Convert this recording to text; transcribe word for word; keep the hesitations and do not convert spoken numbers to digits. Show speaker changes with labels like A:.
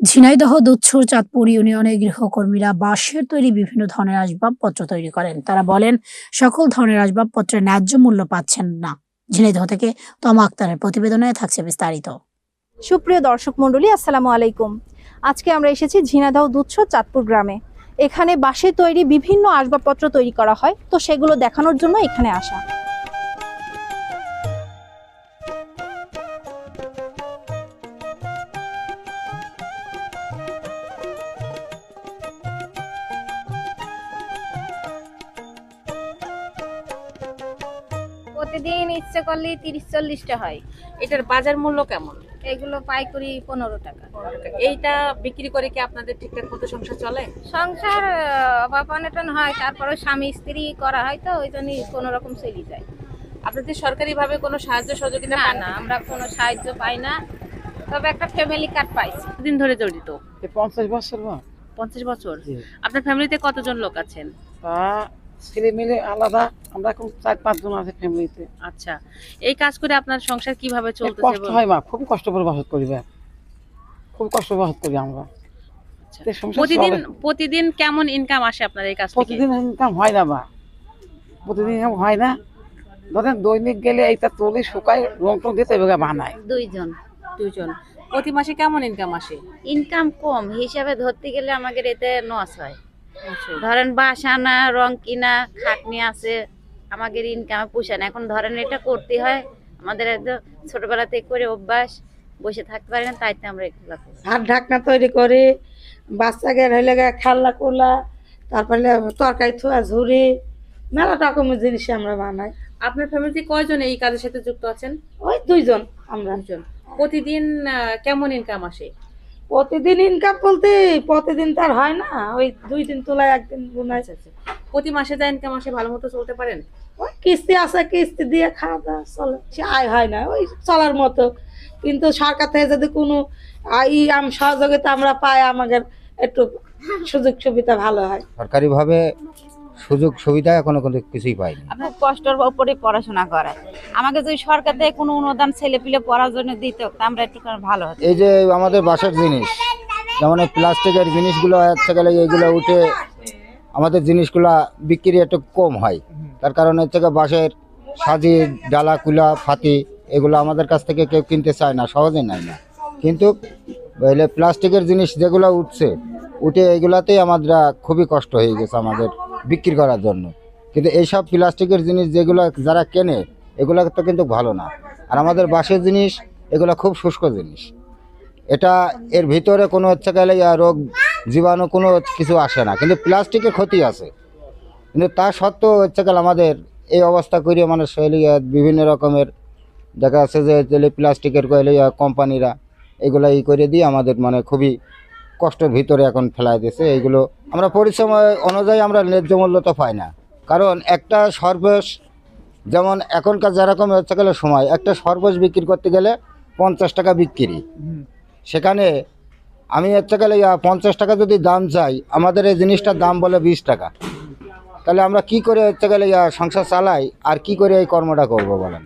A: ঝিনাইদহ দুধছর চাঁদপুর ইউনিয়নের গৃহকর্মীরা বাঁশের তৈরি বিভিন্ন ধরনের আসবাবপত্র তৈরি করেন। তারা বলেন, সকল ধরনের আসবাবপত্রের ন্যায্য মূল্য পাচ্ছেন না। ঝিনাইদহ থেকে তমা আক্তারের প্রতিবেদনে থাকছে বিস্তারিত।
B: সুপ্রিয় দর্শক মণ্ডলী, আসসালামু আলাইকুম। আজকে আমরা এসেছি ঝিনাইদহ দুধছর চাঁদপুর গ্রামে। এখানে বাঁশের তৈরি বিভিন্ন আসবাবপত্র তৈরি করা হয়, তো সেগুলো দেখানোর জন্য এখানে আসা।
C: প্রতিদিন ইচ্ছে করলে তিরিশ চল্লিশটা হয়।
D: এটার বাজার মূল্য কেমন?
C: এগুলো পাইকারি পনেরো টাকা।
D: এইটা বিক্রি করে কি আপনাদের ঠিকঠাক মতো সংসার চলে?
C: সংসার আহ, অভাব অনটন হয়, তারপরে স্বামী স্ত্রী করা হয়, তো ওই জন্যই কোনো রকম চলে যায়।
D: আপনাদের সরকারি ভাবে কোনো সাহায্য সহযোগিতা
C: না
D: পান
C: না, আমরা কোনো সাহায্য পাই না, তবে একটা ফ্যামিলি কার্ড পাইছি।
D: দিন ধরে জড়িত?
E: এই পঞ্চাশ বছর বা
D: পঞ্চাশ বছর।
E: জি।
D: আপনার ফ্যামিলিতে কতজন লোক আছেন?
E: তা ছেলে মিলে আলাদা আমরা এখন চার পাঁচজন আছে ফ্যামিলিতে।
D: আচ্ছা, এই কাজ করে আপনার সংসার কিভাবে চলতেছে?
E: কষ্ট হয় মা, খুব কষ্ট করে বাসত করি বা খুব কষ্ট বাসত করি আমরা।
D: আচ্ছা।
E: তো সংসার
D: প্রতিদিন
E: চলে।
D: প্রতিদিন কেমন ইনকাম আসে আপনার এই কাজ থেকে?
E: প্রতিদিন ইনকাম হয় না বা প্রতিদিন ইনকাম হয় না। ধরেন দৈনিক গেলে এইটা তুলে শুকায় রং টং দিতে এবার বানায়।
F: দুইজন।
D: দুইজন। প্রতি মাসে কেমন ইনকাম আসে?
F: ইনকাম কম হিসাবে ধরতে গেলে আমাদের এতে লস হয়।
D: আচ্ছা।
F: ধরেন বাঁশ আনা, রং কিনা, খাটনি আছে, আমাদের ইনকামে পোষায় না। এখন ধরেন এটা করতে হয়, আমাদের একদম ছোটবেলা থেকে করে অভ্যাস, বসে থাকতে পারি না, তাইতে আমরা এগুলো করি।
G: হাত ঢাকনা তৈরি করি, বাচ্চাকে হইলে গা খাল্লা কোলা, তারপরে তরকারি থোয়া ঝুড়ি, মেলা রকমের জিনিস আমরা বানাই।
D: আপনার ফ্যামিলিতে কয়জন এই কাজের সাথে যুক্ত আছেন?
G: ওই দুইজন আমরা।
D: দুজন। প্রতিদিন আহ, কেমন ইনকাম আসে?
G: প্রতিদিন ইনকাম বলতে প্রতিদিন তার হয় না, ওই দুই দিন তোলায় একদিন বোনাই।
D: প্রতি মাসে যা ইনকাম আসে ভালো মতো চলতে পারেন?
G: ওই কিস্তি আছে, কিস্তি দিয়ে খাওয়া দাওয়া চলে, সে আয় হয় না ওই চলার মতো। কিন্তু সরকার থেকে যদি কোনো ই আম সহযোগিতা আমরা পাই, আমাদের একটু সুযোগ সুবিধা ভালো হয়।
H: সরকারিভাবে সুযোগ সুবিধা এখনো কোনো কিছুই পাইনি।
F: খুব কষ্টের উপরে পড়াশোনা করে, আমাকে যদি সরকার থেকে কোনো অনুদান ছেলে পিলে পড়ার জন্য দিত, আমরা একটু ভালো হতো।
H: এই যে আমাদের বাসার জিনিস, যেমন এই প্লাস্টিকের জিনিসগুলো হচ্ছে গেলে এইগুলো উঠে আমাদের জিনিসগুলা বিক্রি একটু কম হয়। তার কারণ হচ্ছে গিয়ে বাঁশের সাজি, ডালা, কুলা, ফাতি এগুলো আমাদের কাছ থেকে কেউ কিনতে চায় না, সহজে নেয় না। কিন্তু এলে প্লাস্টিকের জিনিস যেগুলো উঠছে, উঠে এইগুলাতেই আমাদের খুবই কষ্ট হয়ে গেছে আমাদের বিক্রি করার জন্য। কিন্তু এইসব প্লাস্টিকের জিনিস যেগুলো যারা কেনে, এগুলো তো কিন্তু ভালো না। আর আমাদের বাঁশের জিনিস এগুলো খুব শুষ্ক জিনিস, এটা এর ভিতরে কোনো হচ্ছে গেলে রোগ জীবাণু কোনো কিছু আসে না, কিন্তু প্লাস্টিকের ক্ষতি আছে। কিন্তু তা সত্ত্বেও হচ্ছে গেলে আমাদের এই অবস্থা করিয়ে মানে শৈলী বিভিন্ন রকমের দেখা যাচ্ছে যে প্লাস্টিকের কইলে কোম্পানিরা এগুলো ই করে দিয়ে আমাদের মানে খুবই কষ্টের ভিতরে এখন ফেলাই দিয়েছে। এইগুলো আমরা পরিশ্রম অনুযায়ী আমরা ন্যায্য মূল্য তো পাই না। কারণ একটা সর্বশ, যেমন এখনকার যেরকম হচ্ছে গেলে সময়, একটা সর্বশ বিক্রি করতে গেলে পঞ্চাশ টাকা বিক্রি, সেখানে আমি হচ্ছে গেলে পঞ্চাশ টাকা যদি দাম চাই, আমাদের এই জিনিসটার দাম বলে বিশ টাকা। তাহলে আমরা কি করে হচ্ছে গেলে সংসার চালাই আর কি করে এই কর্মটা করবো বলেন?